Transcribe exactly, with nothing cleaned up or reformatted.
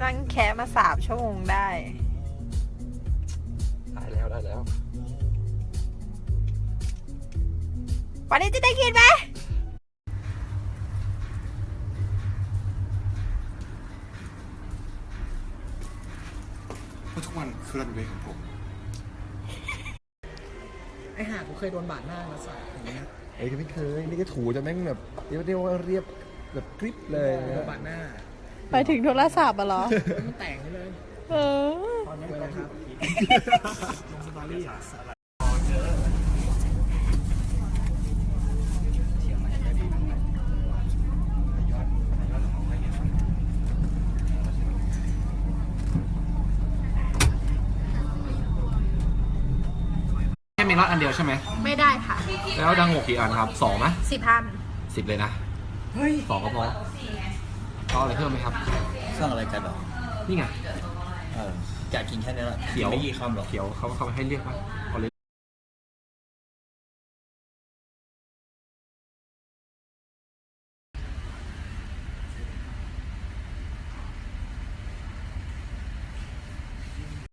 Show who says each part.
Speaker 1: นั่งแค่มาสามชั่วโมงได้
Speaker 2: ได้แล้วได้แล้ว
Speaker 1: วันนี้จะได้กินไหม
Speaker 3: เพราะทุกวันคือรันเวย์ของผม
Speaker 4: ไอ้ห่ากูเคยโดนบาดหน้ามาสักอย่างเงี้ย
Speaker 2: เอ้ยไม่เคยนี่ก็ถูจะแม่งแบบเรียกได้ว่าเรียบแบบกริบเลย
Speaker 4: โดนบาดหน้า
Speaker 1: ไปถึงโทรศัพท์อะเหรอ
Speaker 4: มันแต่งไปเลย
Speaker 1: เออ
Speaker 4: ตอนนี้เลยครับลงสตอรี่อ่ะ
Speaker 2: แค่มีน็อตอันเดียวใช่ไหม
Speaker 1: ไม่ได้ค่ะ
Speaker 2: แล้วดังหกกี่อันครับสองไหม
Speaker 1: สิบพัน
Speaker 2: สิบเลยนะ
Speaker 4: เฮ้ย
Speaker 2: สองก็พอเอาอะไรเพิ่มไหมครับ
Speaker 5: สร้างอะไรกันหรอ
Speaker 2: นี่ไง
Speaker 5: เอออยากกินแค่นี้แหละ
Speaker 2: เขียว
Speaker 5: ไม่กี่คำหรอก
Speaker 2: เขียวเขาเขาให้เรียกว่าเอาเลย